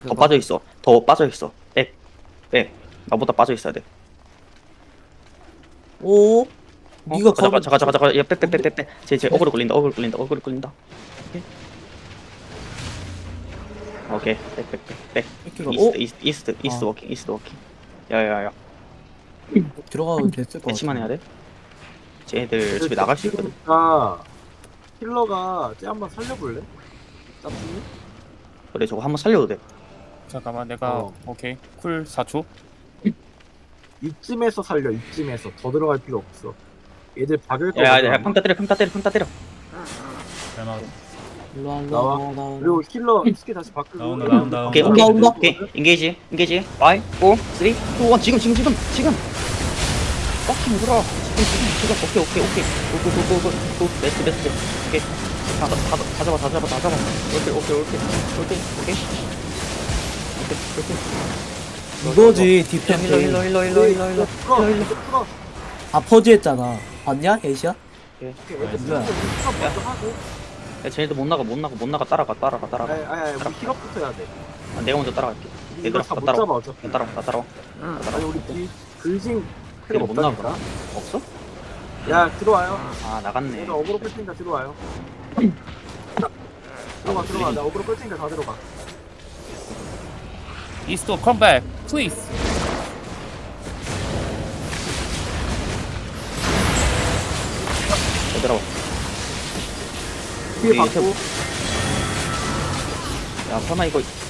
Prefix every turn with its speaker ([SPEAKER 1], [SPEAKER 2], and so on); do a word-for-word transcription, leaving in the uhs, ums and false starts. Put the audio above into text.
[SPEAKER 1] 더 빠져 있어. 더 빠져 있어. 백, 백. 나보다 빠져 있어야 돼.
[SPEAKER 2] 오?
[SPEAKER 1] 어?
[SPEAKER 2] 네가
[SPEAKER 1] 잠깐,
[SPEAKER 2] 거기
[SPEAKER 1] 잠깐, 잠깐, 잠깐. 야, 백, 백, 백,
[SPEAKER 2] 뭔데?
[SPEAKER 1] 백, 백. 제, 제 어그로 걸린다. 어그로 걸린다. 어그로 걸린다. 오케이. 오케이. 백, 백, 백, 백.
[SPEAKER 2] 이렇게가
[SPEAKER 1] 이스트,
[SPEAKER 2] 오?
[SPEAKER 1] 이스트, 이스트, 이스트
[SPEAKER 2] 아.
[SPEAKER 1] 워킹, 이스트 워킹. 야야야.
[SPEAKER 2] 들어가도 됐을 것
[SPEAKER 1] 배치만 해야
[SPEAKER 2] 같아.
[SPEAKER 1] 돼. 쟤네들 집에 나갈 수 있거든.
[SPEAKER 3] 아, 힐러가 쟤 한번 살려볼래? 짭순이?
[SPEAKER 1] 그래, 저거 한번 살려도 돼.
[SPEAKER 4] 잠깐만 내가
[SPEAKER 3] 어.
[SPEAKER 4] 오케이 쿨 사 초.
[SPEAKER 3] 이쯤에서 살려. 이쯤에서 더 들어갈 필요 없어. 얘들 박을 거
[SPEAKER 1] 야, 야, 야, 평타 때려, 평타 때려, 평타 때려.
[SPEAKER 2] 일로 와, 일로
[SPEAKER 3] 나와.
[SPEAKER 2] 와, 나와, 나와.
[SPEAKER 3] 그리고 힐러 스킬 다시 바꾸고.
[SPEAKER 5] 나온다, 나온다,
[SPEAKER 1] 오케이,
[SPEAKER 2] 온다,
[SPEAKER 1] 오케이,
[SPEAKER 2] 온다.
[SPEAKER 1] 오케이. 인게이지, 인게이지. 파이브, 사, 삼, 이, 일. 지금, 지금, 지금, 지금. 뻑킹 물어. 지금, 지금, 지금. 오케이, 오케이, 오케이. 고고고고고. 베스트, 베스트. 오케이. 다, 다, 다, 다 잡아, 다 잡아, 다 잡아. 오케이, 오케이, 오케이. 오케이, 오케이. 오케이, 오케이.
[SPEAKER 2] 이거지
[SPEAKER 1] 힐러, 힐러,
[SPEAKER 2] 디펜스.
[SPEAKER 1] 힐러, 힐러, 힐러, 힐러, 힐러.
[SPEAKER 3] 풀어.
[SPEAKER 1] 힐러, 힐러.
[SPEAKER 3] 풀어.
[SPEAKER 2] 아 퍼즈했잖아. 봤냐, 에이시야?
[SPEAKER 1] 오케이.
[SPEAKER 3] 오케이, 애들
[SPEAKER 2] 뭐야?
[SPEAKER 3] 풀어. 풀어 먼저 하고.
[SPEAKER 1] 야, 쟤네들 못 나가, 못 나가, 못 나가. 따라가, 따라가, 따라가.
[SPEAKER 3] 아니, 아니, 아니, 우리 힐업부터 해야 돼.
[SPEAKER 1] 아, 내가 먼저 따라갈게.
[SPEAKER 3] 이거
[SPEAKER 1] 얘들아,
[SPEAKER 3] 다못
[SPEAKER 1] 나 따라와.
[SPEAKER 3] 잡아 어차피.
[SPEAKER 1] 나 따라와, 나 따라와. 나
[SPEAKER 3] 아니
[SPEAKER 1] 따라와.
[SPEAKER 3] 우리 이 글징
[SPEAKER 1] 그래,
[SPEAKER 3] 필요
[SPEAKER 1] 못 나가.
[SPEAKER 3] 없다니까.
[SPEAKER 1] 없어?
[SPEAKER 3] 야 들어와요.
[SPEAKER 1] 아, 나갔네.
[SPEAKER 3] 내가 어그로 끌 테니까 들어와요. 들어가 들어가. 나 어그로 끌 테니까 다 들어가.
[SPEAKER 4] 이스토 컴백 플리즈.
[SPEAKER 1] 얘들아.
[SPEAKER 3] 뒤에
[SPEAKER 1] 우리
[SPEAKER 3] 받고.
[SPEAKER 1] 야, 설마 이거